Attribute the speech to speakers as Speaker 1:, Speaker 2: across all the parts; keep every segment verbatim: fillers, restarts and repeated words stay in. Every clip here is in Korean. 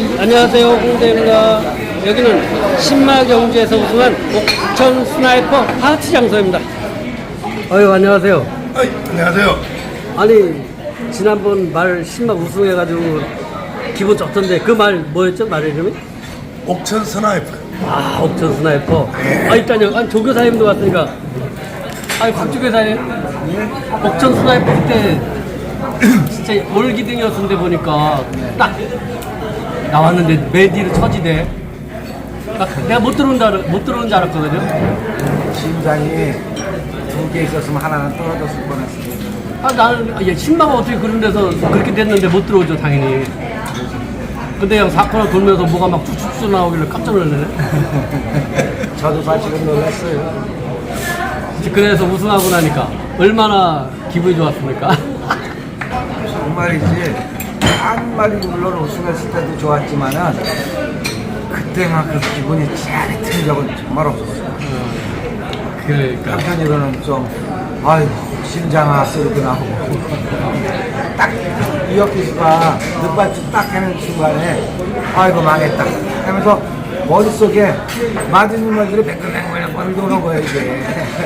Speaker 1: 안녕하세요, 홍대입니다. 여기는 신마경주에서 우승한 옥천 스나이퍼 파티 장소입니다. 어유 안녕하세요.
Speaker 2: 어이, 안녕하세요.
Speaker 1: 아니 지난번 말 신마 우승해가지고 기분 좋던데 그 말 뭐였죠? 말 이름이?
Speaker 2: 옥천 스나이퍼.
Speaker 1: 아 옥천 스나이퍼. 아 일단요. 아니 조교사님도 왔으니까. 아니 곽조교사님. 옥천 스나이퍼 그때 진짜 올기등이었는데 보니까 딱 나왔는데 메디로 처지대. 딱 내가 못 들어온 줄, 알, 못 들어온 줄 알았거든요.
Speaker 3: 심장이 두 개 있었으면 하나는 떨어졌을 뻔했어요.
Speaker 1: 아 나는 아, 얘 신마가 어떻게 그런 데서 그렇게 됐는데 못 들어오죠 당연히. 근데 그냥 사건을 돌면서 뭐가 막 쭉쭉쭉 나오길래 깜짝 놀랐네.
Speaker 3: 저도 사실은 놀랐어요.
Speaker 1: 그래서 우승하고 나니까 얼마나 기분이 좋았습니까?
Speaker 3: 정말이지 한 마리 물론 우승했을 때도 좋았지만은 그때만 그 기분이 짜릿한 적은 정말 없었어요.
Speaker 1: 그러니까
Speaker 3: 한편으로는 좀 아유 심장아 소리도 나오고 딱 이혁기수가 늑발쭉 딱 하는 순간에 아이고 망했다 하면서 머릿속에 맞은 말들이 뱅글뱅글 도는 거예요 이게.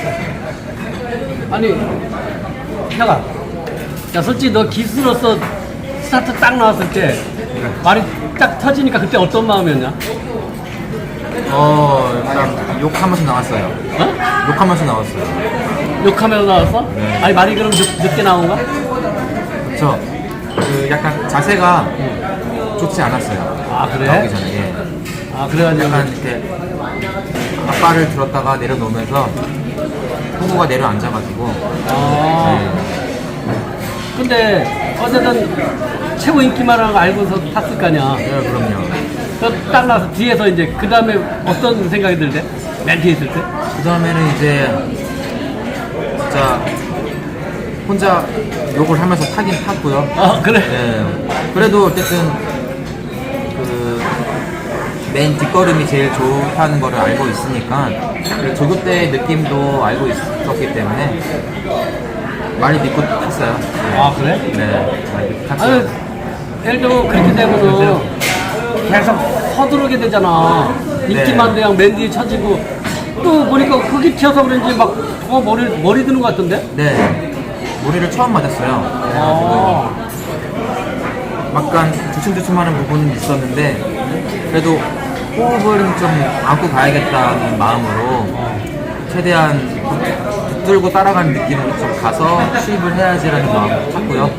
Speaker 1: 아니 혁아 야 솔직히 너 기수로서 스타트 딱 나왔을 때 말이 딱 터지니까 그때 어떤 마음이었냐?
Speaker 4: 어, 일단 욕하면서 나왔어요.
Speaker 1: 어?
Speaker 4: 욕하면서 나왔어요.
Speaker 1: 욕하면서 나왔어?
Speaker 4: 네.
Speaker 1: 아니 말이 그럼 늦, 늦게 나온 거야?
Speaker 4: 그쵸. 그 약간 자세가 좋지 않았어요.
Speaker 1: 아 그래?
Speaker 4: 나오기 전에. 예.
Speaker 1: 아 그래가지고
Speaker 4: 약간 이렇게 앞발을 들었다가 내려놓으면서 후보가 내려앉아가지고.
Speaker 1: 아
Speaker 4: 네.
Speaker 1: 근데 어쨌든 최고 인기만한 거 알고서 탔을 거 아니야.
Speaker 4: 네, 그럼요.
Speaker 1: 딱 나서 뒤에서 이제 그 다음에 어떤 생각이 들대? 맨 뒤에 있을 때?
Speaker 4: 그 다음에는 이제 진짜 혼자 욕을 하면서 타긴 탔고요.
Speaker 1: 아 그래?
Speaker 4: 예. 그래도 어쨌든 그 맨 뒷걸음이 제일 좋다는 거를 알고 있으니까 그 조교 때의 느낌도 알고 있었기 때문에 많이 믿고 탔어요.
Speaker 1: 아 그래?
Speaker 4: 네, 많이 믿고
Speaker 1: 아니
Speaker 4: 탔어요.
Speaker 1: 예를 들어 그렇게 되면은 계속 서두르게 되잖아. 인기만 그냥 맨 뒤에 쳐지고 또 보니까 흙이 튀어서 그런지 막 더 머리 머리 드는 것 같던데?
Speaker 4: 네, 머리를 처음 맞았어요.
Speaker 1: 아,
Speaker 4: 약간 주춤주춤하는 부분은 있었는데 그래도 호흡을 좀 안고 가야겠다는 마음으로 최대한 붙들고 따라가는 느낌으로 좀 가서 수입을 해야지라는 마음으로 탔고요.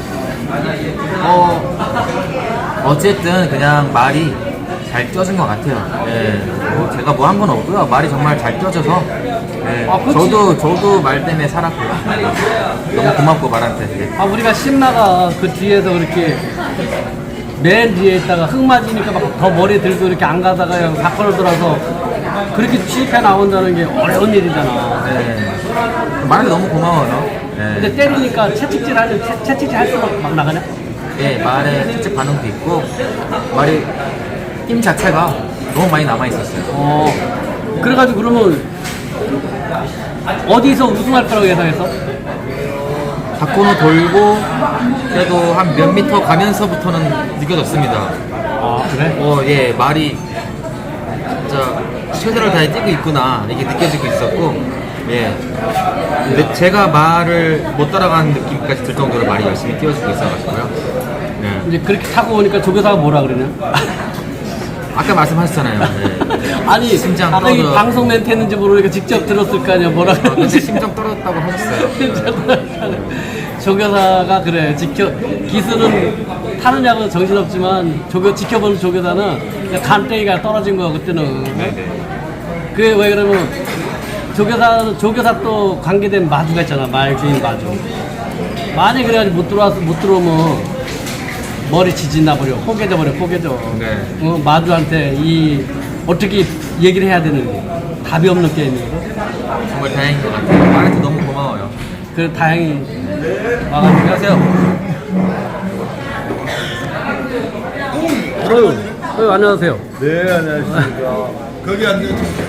Speaker 4: 어, 어쨌든 그냥 말이 잘 쪄진 것 같아요. 예, 뭐 제가 뭐 한 건 없고요. 말이 정말 잘 쪄져서 예,
Speaker 1: 아, 그치.
Speaker 4: 저도 저도 말 때문에 살았고요. 너무 고맙고 말한테. 예.
Speaker 1: 아 우리가 신마가 그 뒤에서 그렇게 맨 뒤에 있다가 흙 맞으니까 막 더 머리 들고 이렇게 안 가다가 그냥 사건을 돌아서 그렇게 취입해 나온다는 게 어려운 일이잖아.
Speaker 4: 예. 말이 너무 고마워요. 예.
Speaker 1: 근데 때리니까 채찍질 하는 채, 채찍질 할 수록 막 나가냐?
Speaker 4: 예, 말에 실제 반응도 있고 말이 힘 자체가 너무 많이 남아 있었어요.
Speaker 1: 어 그래가지고 그러면 어디서 우승할 거라고 예상했어?
Speaker 4: 바코너 돌고 그래도 한 몇 미터 가면서부터는 느껴졌습니다.
Speaker 1: 아 그래?
Speaker 4: 어, 예, 말이 진짜 최선을 다해 뛰고 있구나 이게 느껴지고 있었고, 예. 근데 제가 말을 못 따라가는 느낌까지 들 정도로 말이 열심히 뛰어주고 있어가지고요. 예.
Speaker 1: 이제 그렇게 타고 오니까 조교사가 뭐라 그러냐?
Speaker 4: 아까 말씀하셨잖아요. 예.
Speaker 1: 아니
Speaker 4: 심장
Speaker 1: 아까 이
Speaker 4: 떨어져.
Speaker 1: 방송 멘트 했는지 모르니까 직접 들었을 거 아니야 뭐라
Speaker 4: 어, 근데
Speaker 1: 그러는지.
Speaker 4: 심장 떨어졌다고 하셨어요.
Speaker 1: 조교사가 그래 지켜 기술은 타느냐고 정신없지만 조교 지켜보는 조교사는 그냥 간땡이가 떨어진 거야 그때는. 그게 왜 그러면 조교사는 조교사 또 관계된 마주가 있잖아 말 주인 마주. 만약 그래가지고 못 들어와서 못 들어오면 머리 지진나 버려 포개져 버려 포개져.
Speaker 4: 네.
Speaker 1: 어, 마주한테 이 어떻게 얘기를 해야 되는지 답이 없는 게임이거든.
Speaker 4: 정말 다행인 것 같아요. 말한테 너무 고마워요.
Speaker 1: 그 다행히 와가지고.
Speaker 4: 안녕하세요.
Speaker 1: 어유, 어유 안녕하세요.
Speaker 2: 네, 안녕하십니까. 거기 앉으세요.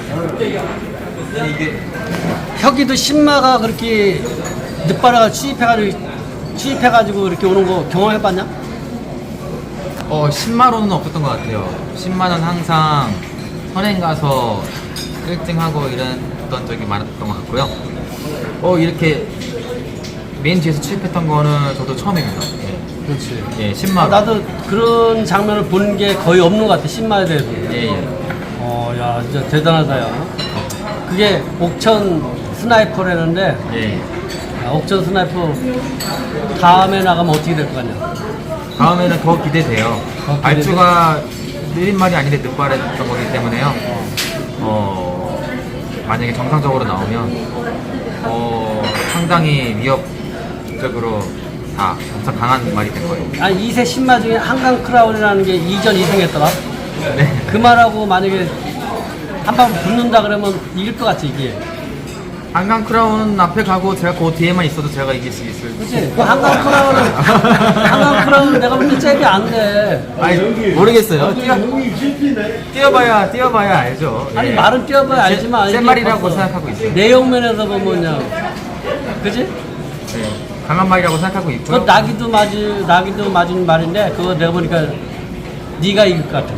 Speaker 1: 혁이도 신마가 그렇게 늦바라가 취입해가지고 취입해가지고 이렇게 오는 거 경험해봤냐?
Speaker 4: 어, 십만 원은 없었던 것 같아요. 십만 원 항상 선행 가서 일 등 하고 이랬던 적이 많았던 것 같고요. 어, 이렇게 메인 뒤에서 취입했던 거는 저도 처음입니다. 예,
Speaker 1: 그렇지.
Speaker 4: 예 십만 원.
Speaker 1: 나도 그런 장면을 본 게 거의 없는 것 같아. 신마에 대해서.
Speaker 4: 예, 예.
Speaker 1: 어, 야, 진짜 대단하다, 야. 그게 옥천 스나이퍼라는데,
Speaker 4: 예.
Speaker 1: 야, 옥천 스나이퍼 다음에 나가면 어떻게 될 것 같냐?
Speaker 4: 다음에는 더 기대돼요.
Speaker 1: 더 기대돼?
Speaker 4: 발주가 느린말이 아닌데 늦발했던 거기 때문에요. 어, 만약에 정상적으로 나오면 어, 상당히 위협적으로 다 엄청 강한 말이 될 거예요.
Speaker 1: 아니, 이 세 신마 중에 한강 크라운이라는 게 이전 이 승했더라?
Speaker 4: 네.
Speaker 1: 그 말하고 만약에 한 방 붙는다 그러면 이길 것 같지, 이게.
Speaker 4: 한강 크라운은 앞에 가고 제가 그 뒤에만 있어도 제가 이길 수 있을.
Speaker 1: 그치? 그 한강 크라운은, 한강 크라운은 내가 볼 때 잽이 안 돼.
Speaker 4: 아니 모르겠어요. 뛰어, 뛰어봐야 뛰어봐야 알죠.
Speaker 1: 아니,
Speaker 4: 예.
Speaker 1: 말은 뛰어봐야 알지만.
Speaker 4: 센
Speaker 1: 이게
Speaker 4: 말이라고
Speaker 1: 벌써
Speaker 4: 생각하고 있어요.
Speaker 1: 내용면에서 보면요. 그지?
Speaker 4: 네. 강한 말이라고 생각하고
Speaker 1: 그
Speaker 4: 있고요.
Speaker 1: 나기도 맞은, 나기도 맞은 말인데, 그거 내가 보니까 네가 이길 것 같아.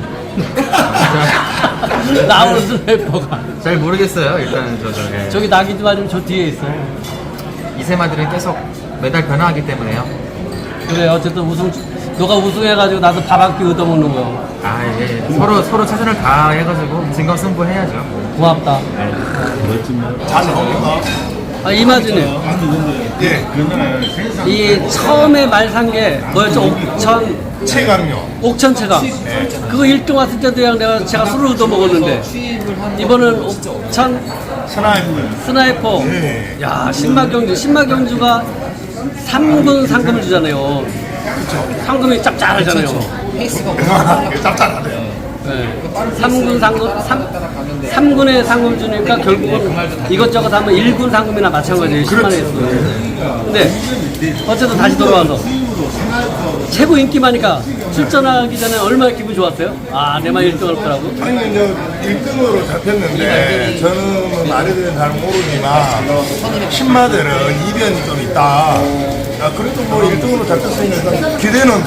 Speaker 1: 나오는 스나이퍼가.
Speaker 4: 잘 모르겠어요. 일단 저도 예.
Speaker 1: 저기 나기도 맞으면 저 뒤에 있어.
Speaker 4: 이세마들은 계속 매달 변화하기 때문에요.
Speaker 1: 그래, 어쨌든 우승, 너가 우승해가지고 나도 밥 한 끼 얻어먹는 거야.
Speaker 4: 아 예. 서로 서로 최선을 다해가지고 진검승부 해야죠.
Speaker 1: 고맙다.
Speaker 2: 잘 나옵니까?
Speaker 1: 아, 이마진이.
Speaker 2: 예.
Speaker 1: 이 처음에 말 산 게 뭐였죠? 옥천,
Speaker 2: 체감요.
Speaker 1: 옥천 체감. 그거 일 등 왔을 때도 그냥 내가 제가 술을 얻어 먹었는데, 이번은 옥천
Speaker 2: 스나이퍼.
Speaker 1: 스나이퍼.
Speaker 2: 예.
Speaker 1: 야, 신마경주. 신마경주가 삼 군 상금을 주잖아요. 상금이 짭짤하잖아요.
Speaker 2: 짭짤하네요.
Speaker 1: 네. 삼 군 상금, 삼 군의 상금 주니까 결국은 이것저것 하면 일 군 상금이나 마찬가지예요. 십만 원에서. 근데 어쨌든 다시 돌아와서 최고 인기마니까 출전하기 전에 얼마나 기분 좋았어요? 아, 내만 일 등 할 거라고?
Speaker 2: 아니 이제 일 등으로 잡혔는데 저는 뭐 말해도 잘 모르지만 신마들은 이변이 좀 있다. 아, 그래도 뭐 일 등으로 잡혔으니까 기대는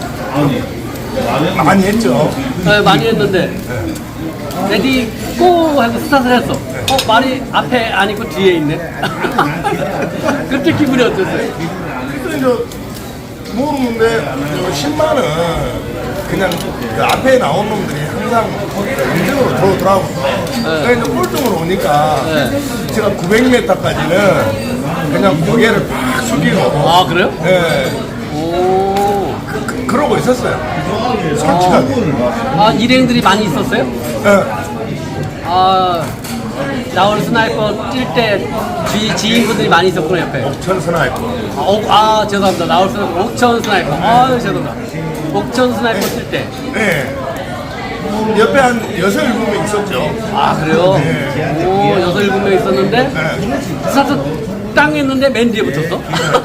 Speaker 2: 많이 했죠.
Speaker 1: 네, 많이 했는데 레디 고 하고 스타트를 했어. 어, 말이 앞에 안 있고 뒤에 있네. 그때 기분이 어땠어요?
Speaker 2: 그때 이제 모르는데 신마는 그냥 그 앞에 나온 놈들이 항상 일 등으로 들어오더라고요. 그러니까 이제 꼴등으로 오니까
Speaker 1: 네.
Speaker 2: 제가 구백 미터까지는 그냥 고개를 팍 숙이고
Speaker 1: 아, 그래요?
Speaker 2: 예.
Speaker 1: 오.
Speaker 2: 그, 그, 그러고 있었어요. 솔직하게.
Speaker 1: 아, 일행들이 많이 있었어요?
Speaker 2: 예.
Speaker 1: 아, 나올 스나이퍼 뛸 때 지인분들이 많이 있었구나, 옆에.
Speaker 2: 옥천 스나이퍼.
Speaker 1: 아, 옥, 아, 죄송합니다. 나올 스나이퍼. 옥천 스나이퍼. 아유, 죄송합니다. 옥천 스나이퍼 뛸 때.
Speaker 2: 예. 옆에 한 여섯 일곱 명 있었죠.
Speaker 1: 아, 그래요?
Speaker 2: 네.
Speaker 1: 오, 여섯, 일곱 명 있었는데,
Speaker 2: 네.
Speaker 1: 스타트 땅 했는데 맨 뒤에 붙었어?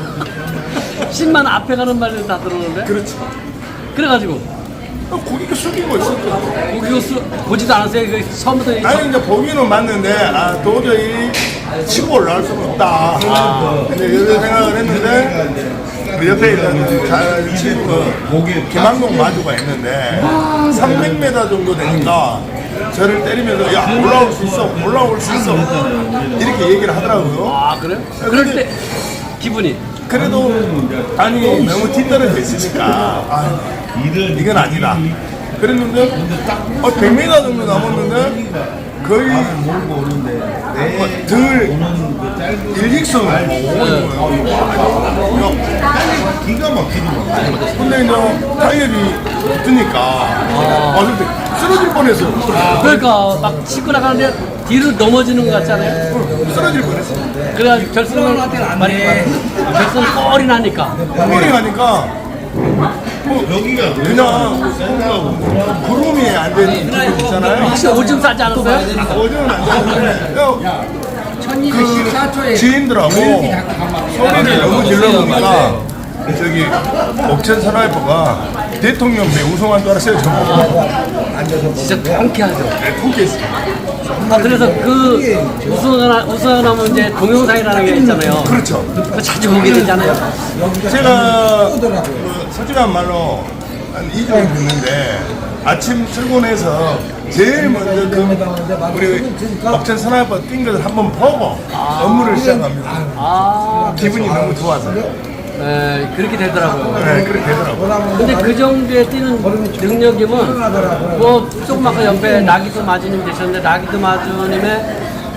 Speaker 1: 십만 앞에 가는 말들 다 들어오는데?
Speaker 2: 그렇지.
Speaker 1: 그래가지고,
Speaker 2: 고개가 숙이고 있었죠.
Speaker 1: 그거 수, 보지도 않았어요? 그 처음부터. 이-
Speaker 2: 아니 이제 보기는 맞는데 아 도저히 치고 올라갈 수는 없다. 근데 이런 생각을 했는데 그 옆에 있는 잘 치는 김한동 마주가 있는데 삼백 미터 정도 되니까 저를 때리면서 야 올라올 수 있어 올라올 수 있어 이렇게 얘기를 하더라고요.
Speaker 1: 아, 그래요? 그럴 때, 기분이.
Speaker 2: 그래도 아니 너무 뒤떨어져 있으니까 아, 이건 아니다. 그랬는데 어, 백 미터 정도 남았는데 거의 어, 등 일직선으로 오는 거예요. 기가 막히더라고요. 근데 이제 타이어이 붙으니까 아, 근데 쓰러질 뻔했어요.
Speaker 1: 그러니까 막 치고 나가는데 뒤로 넘어지는 것 같잖아요.
Speaker 2: 쓰러질 뻔했어요.
Speaker 1: 그래가지고 결승을 많이 결승 꼴이 나니까.
Speaker 2: 꼴이 가니까 뭐 여기가 그냥 구름이 안 되는 길 있잖아요.
Speaker 1: 혹시 오줌 싸지 않았어요?
Speaker 2: 어제는 안 되는데 그 지인들하고 소리를 너무 질러보니까 저기 옥천 스나이퍼가 대통령 배 우승한 줄 알았어요. 저는
Speaker 1: 진짜 통쾌하죠.
Speaker 2: 네, 통쾌했어요.
Speaker 1: 아, 그래서 그 우승하나, 우승하면 이제 동영상이라는 게 있잖아요.
Speaker 2: 그렇죠.
Speaker 1: 그거 자주 보게 되잖아요.
Speaker 2: 제가 그 솔직한 말로 한 이 주일 됐는데 아침 출근해서 제일 먼저 그 우리 옥천 스나이퍼 뛴 것을 한번 보고 업무를 시작합니다.
Speaker 1: 아,
Speaker 2: 기분이 너무 좋아서.
Speaker 1: 네, 그렇게 되더라고요.
Speaker 2: 네, 그렇게 되더라고요.
Speaker 1: 근데 그 정도에 뛰는 능력이면 뭐 조금 아까 옆에 나기도 마주님 계셨는데 나기도 마주님의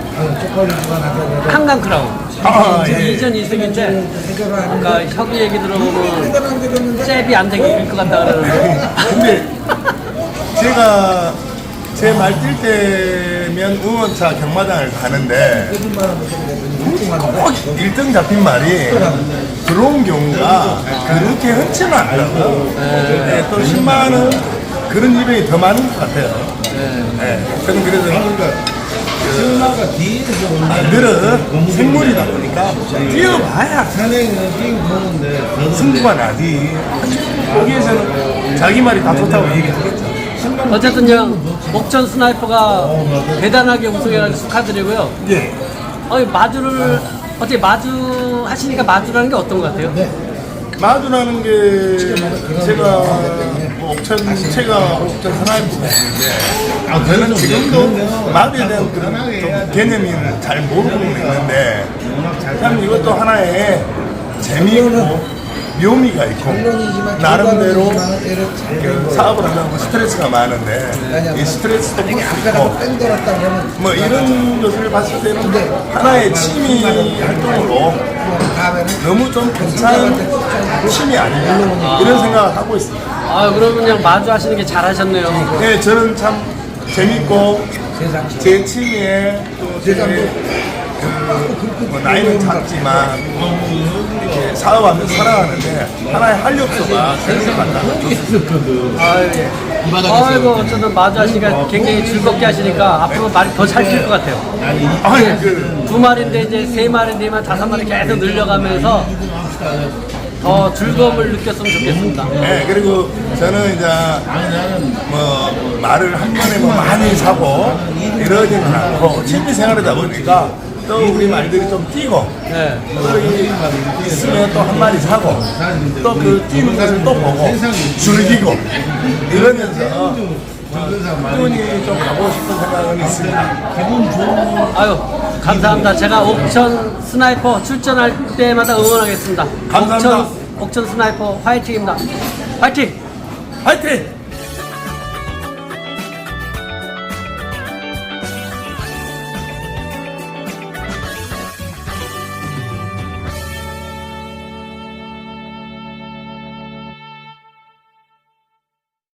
Speaker 1: 한강 크라운
Speaker 2: 아, 예.
Speaker 1: 이전 이승인데 아까 혁이 얘기 들어보면 잽이 안 되길 것 같다 그러는데
Speaker 2: 근데 제가 제 말 뛸 때면 응원차 경마장을 가는데 꼭 일 등 잡힌 말이 들어온 경우가 그렇게 흔치는 않다고. 네, 또 십만 원 그런 이벤이 더 많은 것 같아요. 네. 저는 그래서 그, 늘은 생물이다 보니까 뛰어봐야 승부가 나지. 거기에서는 자기 말이 다 좋다고 얘기하겠죠.
Speaker 1: 어쨌든요 목천 스나이퍼가 대단하게 우승해가지고 축하드리고요.
Speaker 2: 예.
Speaker 1: 어, 마주를 어떻게 마주 하시니까 마주라는 게 어떤 것 같아요?
Speaker 2: 마주라는 게 제가 뭐 옥천 제가 옥천 하나입니다. 아, 저는 지금도 마주에 대한 그런 좀 개념이 잘 모르고 있는데 참 이것도 하나의 재미있고 묘미가 있고 나름대로 그 사업을 하려면 스트레스가 많은데 이 스트레스도 풀 수 있고 뭐 이런 것을 봤을 때는 하나의 취미 활동으로 너무 좀 괜찮은 취미 아닌가 이런 생각을 하고 있습니다.
Speaker 1: 아 그러면 그냥 마주 하시는 게 잘하셨네요.
Speaker 2: 네, 저는 참 재밌고 제 취미에 또제 뭐 나이는 작지만 이렇게 사업하면서 살아가는데 하나의 활력소가 생각한다.
Speaker 1: 아, 예. 아이고 어쨌든 마주 하시니까 굉장히 즐겁게 하시니까 앞으로 말이 더 잘 뛸 것 같아요.
Speaker 2: 아니 그
Speaker 1: 두 마리인데 이제 세 마리, 네 마리, 다섯 마리 계속 늘려가면서 더 즐거움을 느꼈으면 좋겠습니다.
Speaker 2: 네, 그리고 저는 이제 뭐 말을 한 번에 뭐 많이 사고 이러지는 않고 취미 생활이다 보니까 또 우리 말들이 좀 뛰고
Speaker 1: 네.
Speaker 2: 또 이- 있으면 또 한 마리 사고 또 그 뛰는 것을 또 보고 즐기고 이러면서 꾸준히 좀 가고 싶은 생각은 있습니다.
Speaker 1: 아유 감사합니다. 제가 옥천 스나이퍼 출전할 때마다 응원하겠습니다.
Speaker 2: 감사합니다.
Speaker 1: 옥천, 옥천 스나이퍼 화이팅입니다. 화이팅!
Speaker 2: 화이팅!